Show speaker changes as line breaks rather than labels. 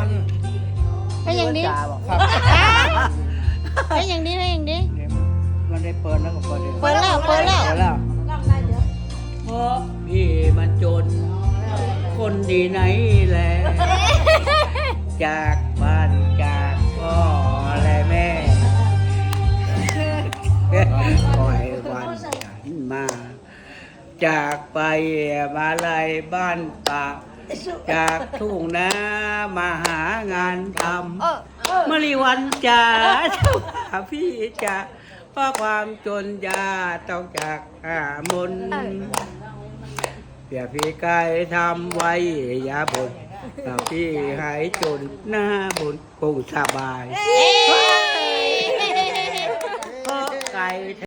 มัน
ให้อย่างดี
ครับ
ให้อย่างดีให้อย่างดี
มันได้เปิดแล้วก็เปิดเลย
เปิดแล้วเปิดแล้ว
เปิดแล้ว
ลองได้เดี๋ยว
เพราะพี่มันจน คนดีไหนแล จากบ้านจากพ่อและแม่ปล่อยวันฉันมา จากไปมาลายบ้านป่าจากทุ่งนามาหางานทำมะลิวันจ๋าเจ้าหาพี่จ๋าเพราะความจนยาต้องจากหามนเปียพี่กายทำไว้อย่าบ่นถ้าพี่หายจนหน้าบนคงสบายเพราะไก่